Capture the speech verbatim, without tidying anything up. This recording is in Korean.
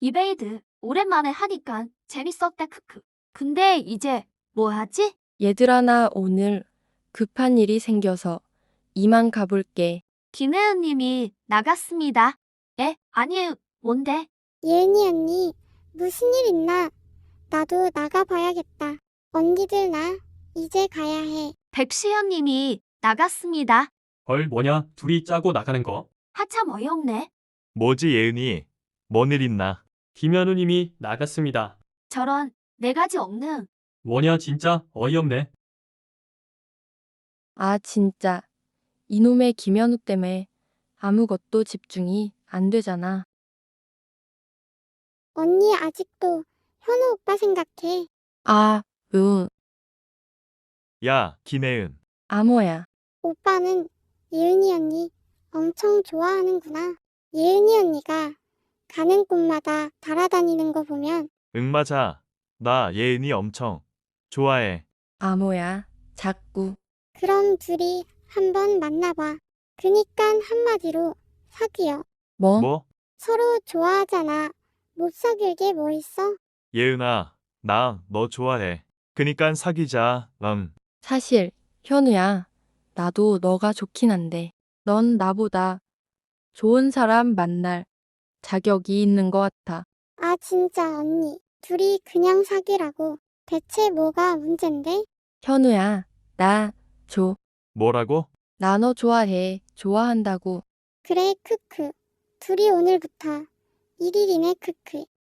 이베이드, 오랜만에 하니까 재밌었다, 크크. 근데 이제 뭐 하지? 얘들아, 나 오늘 급한 일이 생겨서 이만 가볼게. 김혜은님이 나갔습니다. 에? 아니, 뭔데? 예은이 언니, 무슨 일 있나? 나도 나가봐야겠다. 언니들 나 이제 가야 해. 백시현님이 나갔습니다. 헐, 뭐냐? 둘이 짜고 나가는 거? 하참 어이없네. 뭐지 예은이? 뭔 일 있나? 김현우님이 나갔습니다. 저런, 네 가지 없는. 뭐냐, 진짜 어이없네. 아, 진짜. 이놈의 김현우 때문에 아무것도 집중이 안 되잖아. 언니 아직도 현우 오빠 생각해. 아, 으, 야, 김혜은. 아모야. 오빠는 예은이 언니 엄청 좋아하는구나. 예은이 언니가 가는 곳마다 달아다니는 거 보면 응, 맞아. 나 예은이 엄청 좋아해. 아모야. 자꾸. 그럼 둘이 한번 만나봐. 그니깐 한마디로 사귀어. 뭐? 뭐? 서로 좋아하잖아. 못 사귈 게 뭐 있어? 예은아, 나 너 좋아해. 그니깐 사귀자. 응. 사실, 현우야. 나도 너가 좋긴 한데, 넌 나보다 좋은 사람 만날 자격이 있는 것 같아. 아 진짜 언니. 둘이 그냥 사귀라고. 대체 뭐가 문젠데? 현우야, 나, 줘. 뭐라고? 나 너 좋아해. 좋아한다고. 그래 크크. 둘이 오늘부터 일 일이네 크크.